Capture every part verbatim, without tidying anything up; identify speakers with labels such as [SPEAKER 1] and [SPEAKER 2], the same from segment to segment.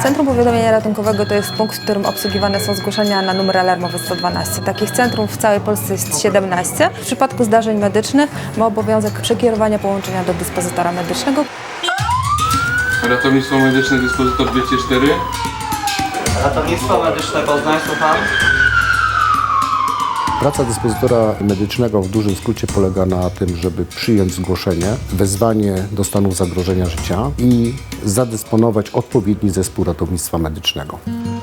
[SPEAKER 1] Centrum Powiadamiania Ratunkowego to jest punkt, w którym obsługiwane są zgłoszenia na numer alarmowy sto dwanaście. Takich centrum w całej Polsce jest siedemnaście. W przypadku zdarzeń medycznych ma obowiązek przekierowania połączenia do dyspozytora medycznego.
[SPEAKER 2] Ratownictwo medyczne, dyspozytor dwieście cztery.
[SPEAKER 3] Ratownictwo medyczne Poznań, słucham.
[SPEAKER 4] Praca dyspozytora medycznego w dużym skrócie polega na tym, żeby przyjąć zgłoszenie, wezwanie do stanu zagrożenia życia i zadysponować odpowiedni zespół ratownictwa medycznego.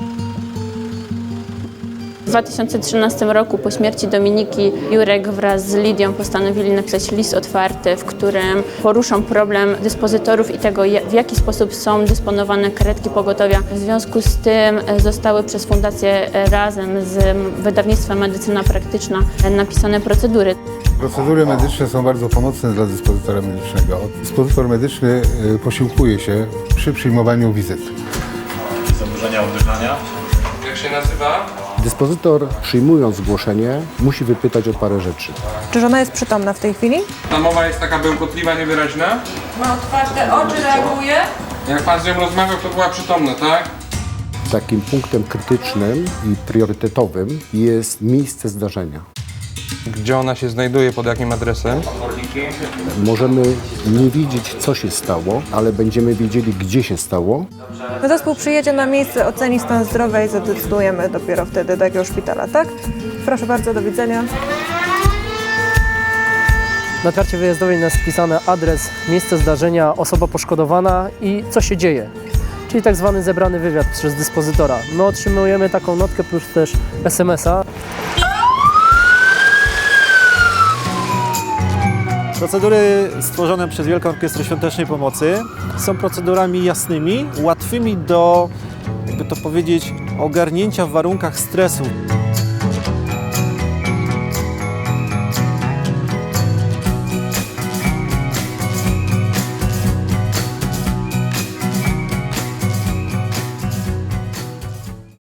[SPEAKER 5] W dwa tysiące trzynastym roku po śmierci Dominiki Jurek wraz z Lidią postanowili napisać list otwarty, w którym poruszą problem dyspozytorów i tego, w jaki sposób są dysponowane karetki pogotowia. W związku z tym zostały przez Fundację razem z wydawnictwem Medycyna Praktyczna napisane procedury.
[SPEAKER 6] Procedury medyczne są bardzo pomocne dla dyspozytora medycznego. Dyspozytor medyczny posiłkuje się przy przyjmowaniu wizyt.
[SPEAKER 7] Zaburzenia oddychania.
[SPEAKER 2] Jak się nazywa?
[SPEAKER 4] Dyspozytor, przyjmując zgłoszenie, musi wypytać o parę rzeczy.
[SPEAKER 1] Czy żona jest przytomna w tej chwili?
[SPEAKER 2] Ta mowa jest taka bełkotliwa, niewyraźna.
[SPEAKER 1] Ma otwarte oczy, reaguje.
[SPEAKER 2] Jak pan z nią rozmawiał, to była przytomna, tak?
[SPEAKER 4] Takim punktem krytycznym i priorytetowym jest miejsce zdarzenia.
[SPEAKER 2] Gdzie ona się znajduje, pod jakim adresem?
[SPEAKER 4] Możemy nie wiedzieć, co się stało, ale będziemy wiedzieli, gdzie się stało.
[SPEAKER 1] Zespół przyjedzie na miejsce, oceni stan zdrowia i zadecydujemy dopiero wtedy do jakiego szpitala, tak? Proszę bardzo, do widzenia.
[SPEAKER 8] Na karcie wyjazdowej jest wpisany adres, miejsce zdarzenia, osoba poszkodowana i co się dzieje. Czyli tak zwany zebrany wywiad przez dyspozytora. My otrzymujemy taką notkę plus też es em es a.
[SPEAKER 9] Procedury stworzone przez Wielką Orkiestrę Świątecznej Pomocy są procedurami jasnymi, łatwymi do, jakby to powiedzieć, ogarnięcia w warunkach stresu.